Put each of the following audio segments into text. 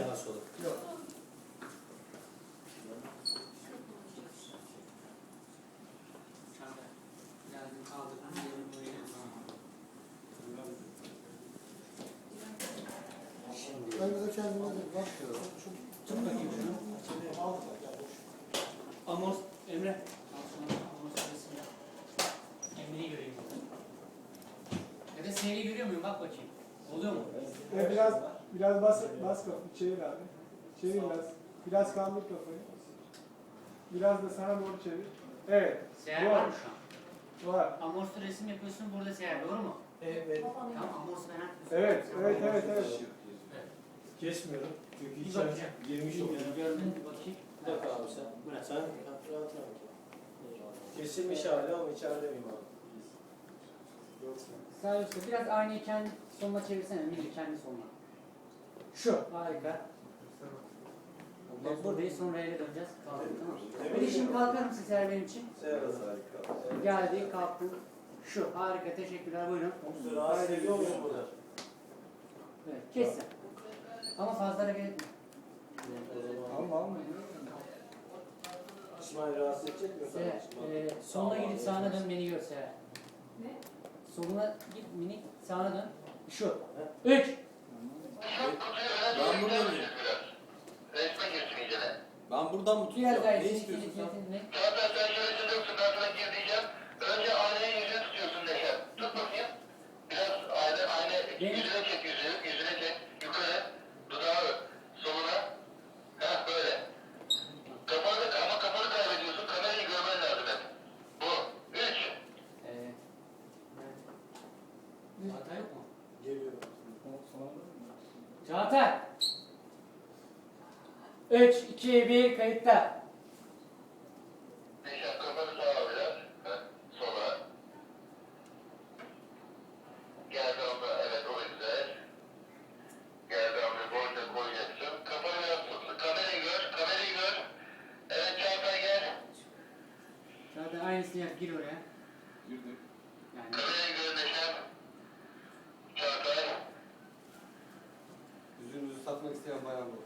Sağ sola. Yok. Geldim kaldırdım. Yerim buraya. Ben de kendime de bak. Tut bakayım şunu. Amos, Emre. Al şunu. Amos resim yap. Emre'yi göreyim. Ya da seni görüyor muyum? Bak bakayım. Oluyor mu? Biraz bas kafayı, çevir abi. Çevir biraz. Biraz kaldır kafayı. Biraz da sana doğru çevir. Evet. Seher Doğru. var mı şu an? Var. Amorsu resim yapıyorsun, burada seher, doğru mu? Evet. Tamam, amorsu ben Evet. Kesmiyorum. Çünkü Bir içeride bakacağım. girmiş oluyor. Gördün mü? Bakayım. Bir dakika abi sen. Bırak. Sen rahat rahat. Kesilmiş hali ama içeride miyim abi? Sağ üstte biraz aynayı kendi sonuna çevirsene, Emre kendi sonuna. Şu, harika. Buradayız, sonra eve döneceğiz. Tamam. Bir de şimdi kalkar mısın Seher benim için? Seher harika. Geldi, kalktın. Şu, harika, teşekkürler, buyurun. Rahatsız ediyor muyum burada? Evet, kes sen. Ama fazla hareket etme. Alma. İsmail rahatsız edecek mi? Seher, soluna gidip sağına dön, beni gör Seher. Ne? Soluna git, minik, sağına dön. Şu. 3. Ben burada mıyım? Resme girsin iyicene. Ben buradan mı Diğer tutacağım? Ne gayet, istiyorsun sen? ne? Zaten sen şöyle tutuyorsun, ben sana gir diyeceğim. Önce aynaya yüzünü tutuyorsun Neşe. Tut bakayım. Biraz ayna yüzüne çek yüzünü, yüzüne çek. Yukarı, dudağı soluna. Heh böyle. Ama kafanı kaybediyorsun, kamerayı görmen lazım hep. Bu. 3. Çağatay yok mu? Geliyor. Çağatay! 3, 2, 1, kayıtta. Neşe kafanı sağa biraz. Heh, sola. Gel damla, evet o güzel. Gel damla, boyunca koyacaksın. Kafanı biraz tut. Kamerayı gör. Evet Çağatay gel. Çağatay aynısını yap, gir oraya. Girdim. Yani Kamerayı gör Neşem. Çağatay. Yüzünüzü satmak isteyen bayan bu.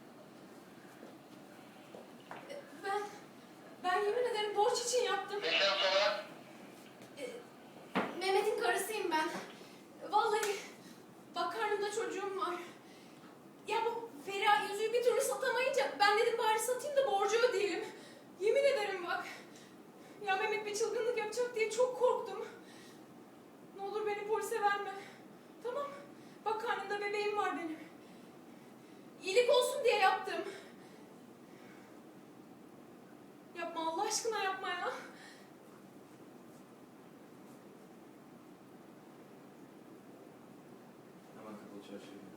Ben yemin ederim borç için yaptım. Neşem sola. Mehmet'in karısıyım ben. Vallahi bak karnımda çocuğum var. Ya bu Feriha yüzüğü bir türlü satamayınca ben dedim bari satayım da borcu ödeyelim. Yemin ederim bak. Ya Mehmet bir çılgınlık yapacak diye çok korktum. Ne olur beni polise verme. Tamam. Bak karnımda bebeğim var benim. İyilik olsun diye yaptım. Yapma Allah aşkına yapma ya. Hemen kapalı çarşıya.